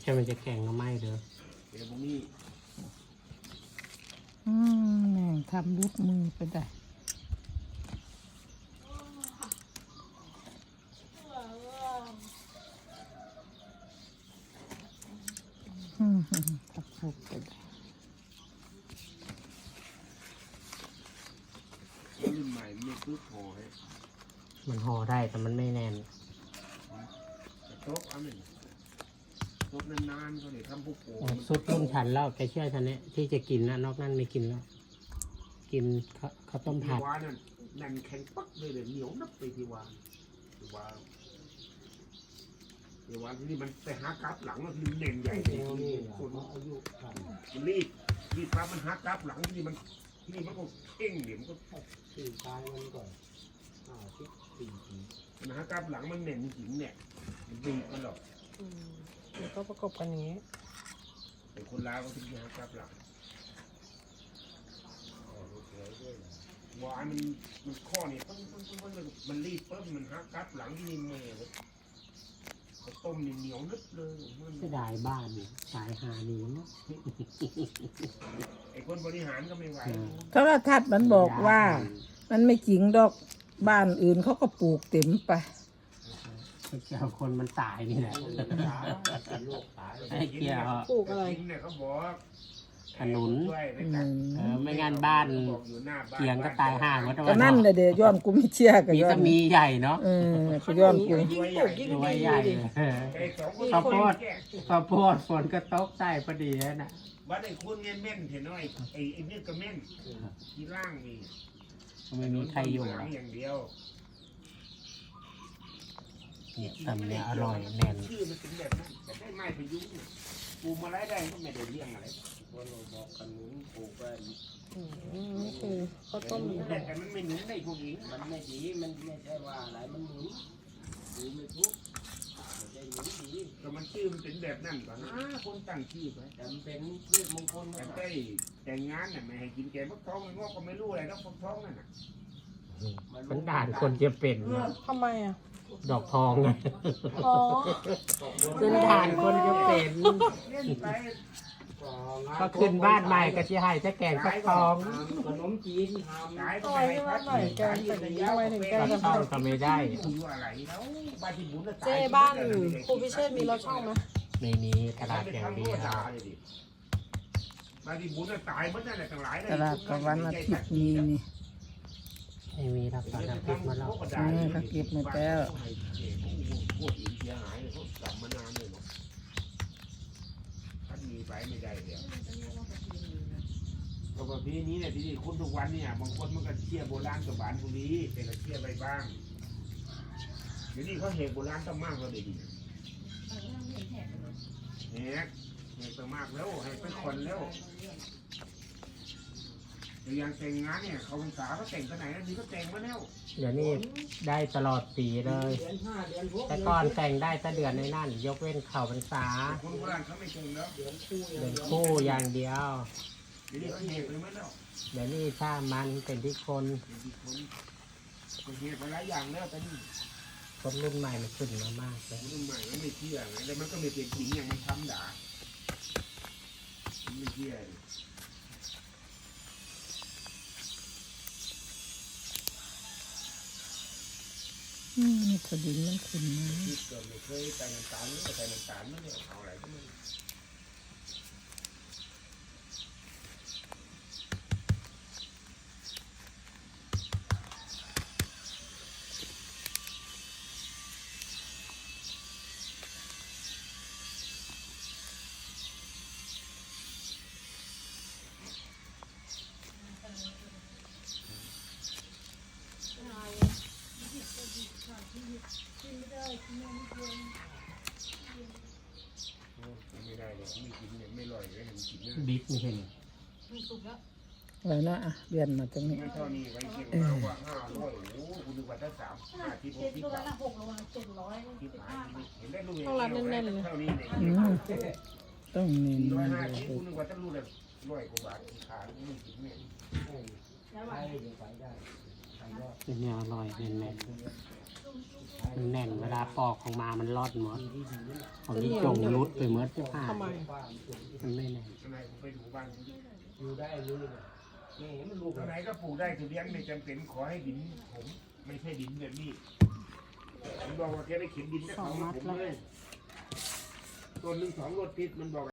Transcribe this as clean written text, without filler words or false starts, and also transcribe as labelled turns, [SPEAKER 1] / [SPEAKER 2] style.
[SPEAKER 1] ใช่มันจะแข็งก็ไม่เด้อ
[SPEAKER 2] เดี๋ยวพวกนี้
[SPEAKER 3] แม่งทำรุดมือไปได้ทับรุดไปได้
[SPEAKER 2] รุ่นใหม่ไม่ซื้อพอให้
[SPEAKER 1] มันห่อได้แต่มันไม่แน่น
[SPEAKER 2] โต๊ะอันนี้โต๊ะนานๆเขาเลยทำพวกโป่ง
[SPEAKER 1] สุดรุ่นฉันแล้วแกเชื่อฉันเนี่ยที่จะกินนะนอกนั้นไม่กินแล้ว กินข้าวต้มผัด
[SPEAKER 2] วานั่นนั่นแข็งปักเลยเหนียวนับไปที่วานที่วานที่วานที่นี่มันไปหากราฟหลังแล้วที่มันเน่นใหญ่ที่นี่คนอายุมันรีบปั๊บมันหากราฟหลังที่นี่มันก็เข่งเดี๋ยวมันก็ตีตายมันก่อนมันหากราฟหลังมันเน่นหินเนี่ยมันดีมันหรอก
[SPEAKER 3] เดี๋ยวก็ประกบกันอย่างนี้
[SPEAKER 2] เป็นคนลาวก็ถึงจะหากราฟหลังวายมันข้อนี่มันรีบปุ๊บมันหากราฟหลังที่นี่เมย์เขาต้มเหนียวนึบเลย
[SPEAKER 1] เสียดายบ้านสายหาดีเนาะ
[SPEAKER 2] ไอ้คนบริหารก็ไม่ไหว
[SPEAKER 3] โทรทัศน์มันบอกว่า มันไม่จริงดอกบ้านอื่นเขาก็ปลูกเต็มไป
[SPEAKER 1] เกี่ยวคนมันตายนี่แหละไอ้เกี่ยว
[SPEAKER 3] ปลูกอะไร
[SPEAKER 2] เนี่ยเขาบอก
[SPEAKER 1] ขนุน
[SPEAKER 3] อืม
[SPEAKER 1] ไม่งั้นบ้านเกียงก็ตายห่างวัด
[SPEAKER 3] ก็นั่นเลยเดี๋ยวย้อนกูไม่เชื่อกับ
[SPEAKER 1] มี
[SPEAKER 3] ย้อ
[SPEAKER 1] ก็
[SPEAKER 3] น
[SPEAKER 1] มีใหญ่เนาะ
[SPEAKER 3] ก็ย้อนกู
[SPEAKER 1] รวยใหญ่ข้าวโพดฝนก็ตกใส่พอดีนะ
[SPEAKER 2] วัดไอ้คุณเงี้ยเม่นเห็นน้อยไอ้นี่ก็เม่นที่ล่างนี่
[SPEAKER 1] ไม่มีใครอยู่
[SPEAKER 2] หลังอย่างเดียว
[SPEAKER 1] เนี่ยตำเนี่ยอร่อยแน่น
[SPEAKER 2] ชื่อมันเป็นแบบนั้นแต่ได้ไม้พยุงปลูกมาไล่ได้ก็ไม่ได้เลี้ยงอะไรว่าเราบอกขนุนปลูกไป
[SPEAKER 3] นี่คือข้าวต้ม
[SPEAKER 2] แต่มันไม่หนุนได้พวกนี้
[SPEAKER 4] มันไม่ดีมันไม่ใช่ว่าอะไรมันหมุนดูไม่ทุกไม่ใช่หมุนดี
[SPEAKER 2] ก็มันชื่อมันเป็นแบบนั้นก่อนนะคนตั้งชื่อไป
[SPEAKER 4] แต่มันเป็นพืชมงคล
[SPEAKER 2] แต่
[SPEAKER 4] นะ
[SPEAKER 2] ได้แต่งงานเนี่ยไม่ให้กินแกงฟักทองมันงอกก็ไม่รู้อะไรแล้วฟักทองนั่นน่ะ
[SPEAKER 1] มันด่านคนจะเป็นนะ
[SPEAKER 3] ทำไมอ่ะ
[SPEAKER 1] ดอกทองไง
[SPEAKER 3] อ๋อ
[SPEAKER 1] เป็นด่านคนจะเป็น
[SPEAKER 2] เล่นไป
[SPEAKER 1] ก็ขึ้นบ้านใหม่ก็ที่ให้จะแกงฟักทอง
[SPEAKER 4] ขนมจีนทำ
[SPEAKER 2] ขาย
[SPEAKER 3] ต่อยขึ้นมาหน่อยแกงใส่กะทิทำไมถึงแกง
[SPEAKER 1] ฟักทองก็ไม่ได้
[SPEAKER 2] อยู่อะไรแล้วบ้านที่บุญน่ะ
[SPEAKER 3] เจ้บ้านครูพิเชษมีรถช่องไหม
[SPEAKER 1] ในนี้ตลาดอย่างเดียว
[SPEAKER 2] บ้านที่บุญน่ะตายหมดนั่นแหละทั้งหลาย
[SPEAKER 3] ตลาดกับวันอาทิตย์นี้นี่
[SPEAKER 1] ไม่มีรับสารพิษมาแล้ว
[SPEAKER 3] เขาเก็บมาแล้ว
[SPEAKER 2] พวกอีกเสียหายเลยเขากลับมานานเลยเนาะท่านมีไปไม่ได้เดี๋ยวก็แบบนี้เนี่ยที่คนทุกวันเนี่ยบางคนมันก็เชี่ยโบราณกับบ้านบุรีแต่ก็เชี่ยไปบ้างเดี๋ยวนี้เขาเหตุโบราณต้องมากกว่าเด็กเนี่ยเหตุต้องมากแล้วให้เป็นคนแล้วอย่างแต่งงานเนี่ยเขาภาษาเขาแต่งกันไหนแล้วนี่ก็แต่งมาแล้ว
[SPEAKER 1] เดี๋ยวนี้ได้ตลอดปีเลย
[SPEAKER 4] เดือนห้าเดือนหก
[SPEAKER 1] แต่ก่อนแต่งได้แต่เดือนในนั่น ยกเว้นเข่าพรรษา
[SPEAKER 2] คนโบราณเขาไม่แต่งแล้ว
[SPEAKER 4] เดือนคู่
[SPEAKER 1] เดือนคู่อย่างเดียว
[SPEAKER 2] เดี๋ยวนี้เขาเหตุไปหมดแล้ว
[SPEAKER 1] เดี๋ยวนี้ถ้ามันเป็นที่คน
[SPEAKER 2] เดี๋ยวนี้คนเหตุไปหลายอย่างแล้วแต่นี่
[SPEAKER 1] คนรุ่นใหม่มันขึ้นมามากเลย
[SPEAKER 2] รุ่นใหม่มันไม่เชื่อไงแล้วมันก็ไม่เป็นจริงอย่างมันทำด่ามันไม่เชื่อ
[SPEAKER 3] นี่พอดินมันขึ้นมา
[SPEAKER 2] ที่เกิดไม่เคยไปน้ำตาลไม่ไปน้ำตาลไม่ได้เอาอะไรก็ไม่ ไม่ได้เลยไม่กินเนี่ยไม่อร่อยเลยเห็นกินเนี่ย
[SPEAKER 1] บิ๊กไม่เห็น
[SPEAKER 3] ไว้นะเรียนมาตรงนี้
[SPEAKER 2] ไม่เท่านี้ไว้เชียงรายว่า500โอ้โหคุณดูว่าถ้า3 5 ที่6ที่8ที่5เห็นได้ลูกเท่านี้เนี่ย
[SPEAKER 3] ต้องเน้น
[SPEAKER 2] 150คุณดูว่าถ้าลูกเลย100 กว่าบาทขาไม่กินเนี่ย
[SPEAKER 4] ไปเดี๋ยวไปได้ไปรอด
[SPEAKER 1] เป็นเนี่ยอร่อยเป็นแม่
[SPEAKER 4] เ
[SPEAKER 1] มันแน่นเวลาปอกของมามันรอดหมดของที่จงรุดไปหมดที่ผ้า
[SPEAKER 3] ทำไม
[SPEAKER 1] มันไม่แน่น
[SPEAKER 2] ข้างในผมไปดูบ้าน
[SPEAKER 4] อยู่ได้เลยนี่มันลูก
[SPEAKER 2] ข้างในก็ปลูกได้คือเลี้ยงไม่จำเป็นขอให้ดินผมไม่ใช่ดินแบบนี้ผมบอกว่าแกได้เข็นดินได้เอามาผมเลยต้นหนึ่ง2 รถติดมันบอก